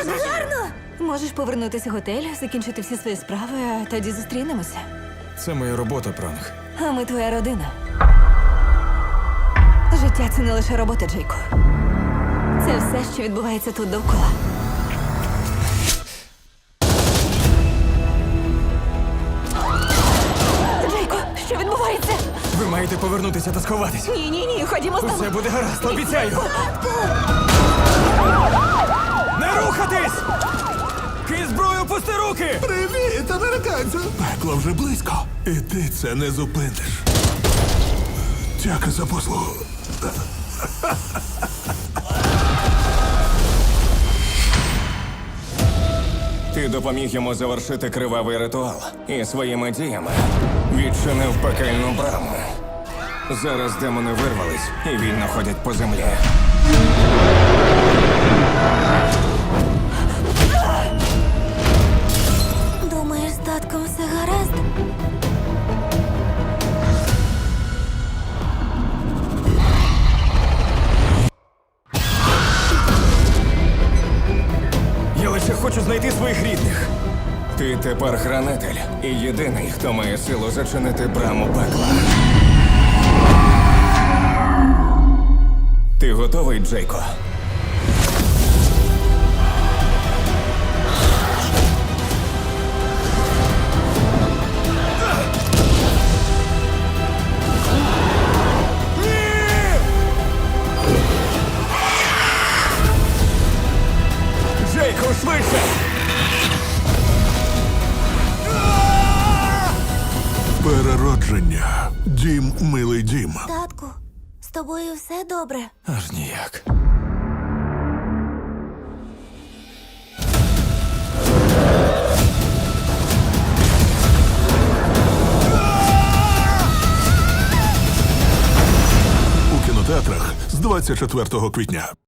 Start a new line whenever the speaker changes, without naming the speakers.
гарно! Можеш повернутися в готель, закінчити всі свої справи, а тоді зустрінемося.
Це моя робота, Пранк.
А ми твоя родина. Життя – це не лише робота, Джейко. Це все, що відбувається тут довкола. Джейко, що відбувається?
Ви маєте повернутися та сховатись.
Ні, ходімо з
Усе
тобою.
буде гаразд, обіцяю. Не рухатись! Кинь зброю, пусти руки!
Привіт, американцю! Пекло вже близько. І ти це не зупиниш. Дяка за послугу.
Ти допоміг йому завершити кривавий ритуал і своїми діями відчинив пекельну браму. Зараз демони вирвались і вільно ходять по землі.
Думаєш, з татком все гаразд?
Я лише хочу знайти своїх рідних.
Ти тепер хранитель і єдиний, хто має силу зачинити браму пекла. Ти готовий, Джейко?
Джейко, швидше!
Переродження. Дім, милий дім.
Татку, з тобою все добре?
Аж ніяк.
У кінотеатрах з 24 квітня.